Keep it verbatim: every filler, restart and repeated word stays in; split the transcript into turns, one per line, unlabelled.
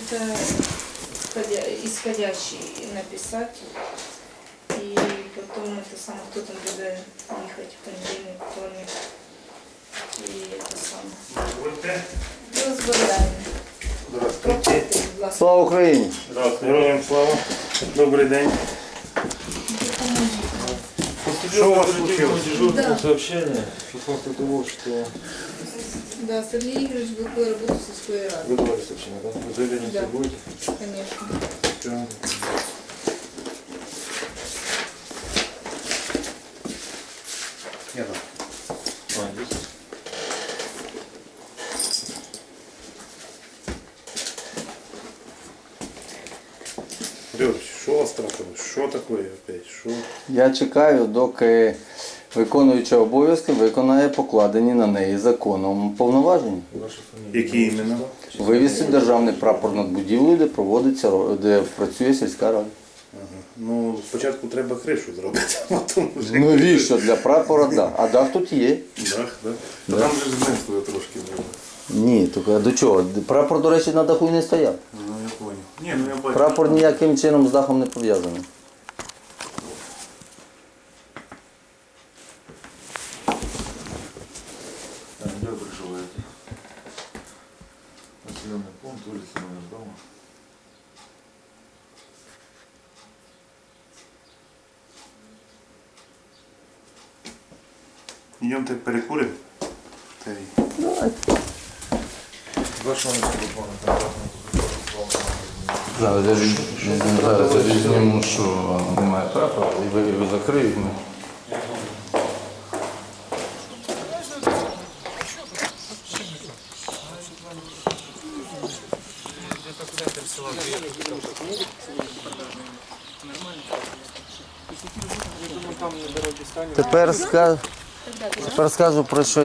это исходя- исходящий написать. И потом это самое, кто там будет ехать в понедельник, вторник. И это самое. Розбираємо. Пропустите, будь ласка.
Слава Україні!
Здравствуйте, героям слава. Добрий день. Что у вас случилось?
Да.
Сообщение. шестнадцатого того, что
Да, Сергей Игоревич был работать со своей
вы
радой.
давали сообщение, да? Вы заявление
Да.
будете?
Конечно.
Все. Я да. А, здесь? Григорьевич, что у вас трапилось? Что такое опять? Что?
Я чекаю, доки виконуюча обов'язки виконає покладені на неї законом повноваження.
Ваша фамилия? Які іменно?
Вивісити державний прапор над будівлею, де проводиться, ро- де працює сільська рада.
Ага. Ну, спочатку треба кришу зробити, а потім вже...
Навіщо? Для прапора дах. А дах тут є.
Дах, да? Та там же знесли трошки було.
Ні, тільки а до чого? Прапор, до речі, на даху і не стояв.
Ну, я понял. Ні, ну я бачу.
Прапор ніяким чином з дахом не пов'язаний.
Так, где вы проживаете? Населенный пункт, улица, номер дома. Идемте перекурим.
Давайте.
Ваш номер телефона, контактный телефон.
Зараз я від- зараз я візьму, що немає прапора, і ви його закриють. ми. Тепер, ска... Тепер скажу про що